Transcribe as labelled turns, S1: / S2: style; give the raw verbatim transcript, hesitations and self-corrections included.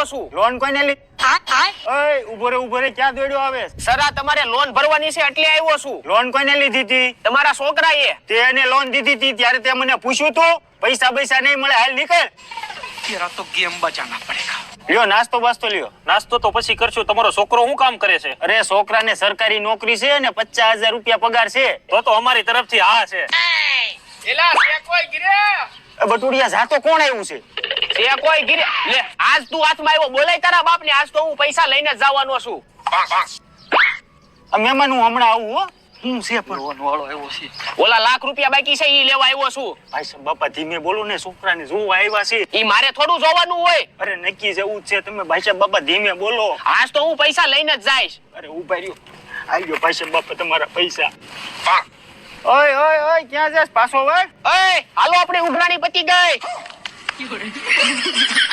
S1: છું
S2: લોન કોઈને લી ઓય ઉભો રે ઉભો રે ક્યાં દોડ્યો આવે
S1: સર આ તમારે લોન ભરવાની છે એટલે આવ્યો છું
S2: લોન કોઈને લીધી હતી
S1: તમારા છોકરાએ
S2: તે એને લોન દીધી હતી ત્યારે તે મને પૂછ્યું તું પૈસા પૈસા નહીં મળે હાલ નીકળ
S3: तेरा तो गेम बचाना पड़ेगा।
S2: લ્યો નાસ્તો બાસ્તો લ્યો
S4: નાસ્તો તો પછી કરશું. તમારો છોકરો શું કામ કરે છે?
S2: અરે છોકરાને સરકારી નોકરી છે ને પચાસ હજાર રૂપિયા પગાર છે
S4: તો તો અમારી તરફથી હા છે.
S1: એલા સે કોઈ ગિરે
S2: એ બટુડિયા જાતો કોણ આવ્યું છે
S1: સે કોઈ ગિરે લે આજ તું હાથમાં આવ્યો બોલાય તારા બાપને આજ તો હું પૈસા લઈને જ જવાનો છું
S2: આ મહેમાન હું હમણાં આવું હો હું છે પણ
S3: लोन वालो આવ્યો છે
S1: ઓલા લાખ રૂપિયા બાકી છે ઈ લેવા આવ્યો છું
S2: ભાઈ સાહેબ બાપા ધીમે બોલો ને છોકરાને જોવા આવ્યા છે
S1: ઈ મારે થોડું જોવાનું હોય
S2: અરે નક્કી જેવું જ છે તમે ભાઈ સાહેબ બાપા ધીમે બોલો
S1: આજ તો હું પૈસા લઈને જ જઈશ
S2: અરે ઉભા રહ્યો આવ્યો ભાઈ સાહેબ બાપા તમારા પૈસા ઓય ઓય ઓય ક્યાં જાસ પાછો ભાઈ
S1: એ હાલો આપણે ઉઘરાણી પતી ગઈ